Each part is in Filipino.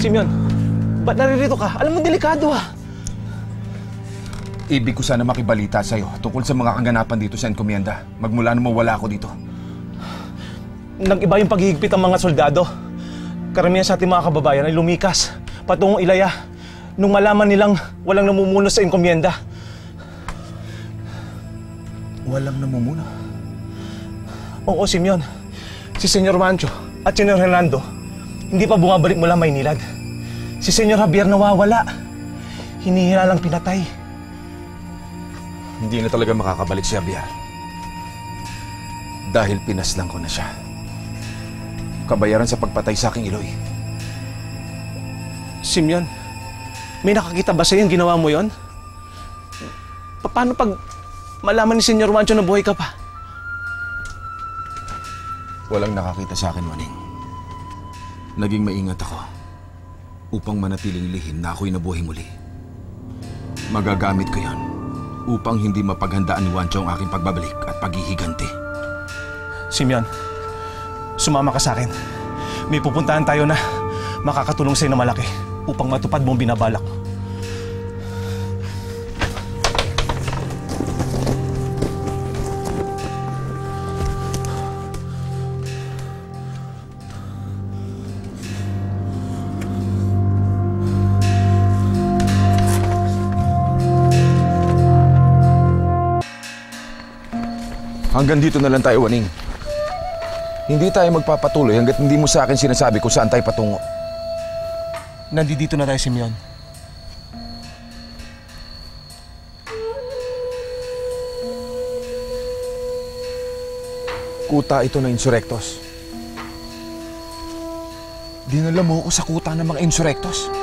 Simeon, ba't naririto ka? Alam mo, delikado Ibig ko sana makibalita sa'yo tungkol sa mga kaganapan dito sa enkomienda. Magmula nung mawala ako dito. Nag-iba yung paghihigpit ng mga soldado. Karamihan sa ating mga kababayan ay lumikas patungong Ilaya nung malaman nilang walang namumuno sa enkomienda. Walang namumuno? Oo, Simeon. Si Senyor Mancho at Senyor Hernando hindi pa bumabalik mula Maynilad. Si Senyor Javier nawawala. Hinihila lang pinatay. Hindi na talaga makakabalik si Javier. Dahil pinaslang ko na siya. Kabayaran sa pagpatay sa aking Iloy. Simeon, may nakakita ba sa'yo yung ginawa mo yon? Paano pag malaman ni Senyor Mancho na buhay ka pa? Walang nakakita sa akin, Waning. Naging maingat ako upang manatiling lihim na ako'y nabuhay muli. Magagamit ko yan upang hindi mapaghandaan ni Wancho ang aking pagbabalik at paghihiganti. Simeon, sumama ka sa akin. May pupuntahan tayo na makakatulong sa'yo na malaki upang matupad mo ang binabalak. Hanggang dito na lang tayo, Waning. Hindi tayo magpapatuloy hanggat hindi mo sa akin sinasabi kung saan tayo patungo. Nandito na tayo, Simeon. Kuta ito ng insurektos. Dinala mo ako sa kuta ng mga insurektos.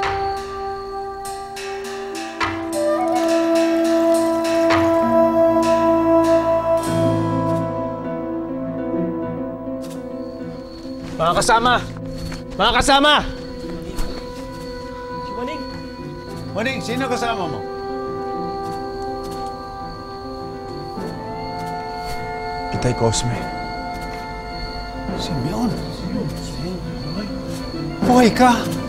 Mga kasama! Mga kasama! Si Waning! Waning, sino kasama mo? Itay Cosme. Simeon. Buhay ka!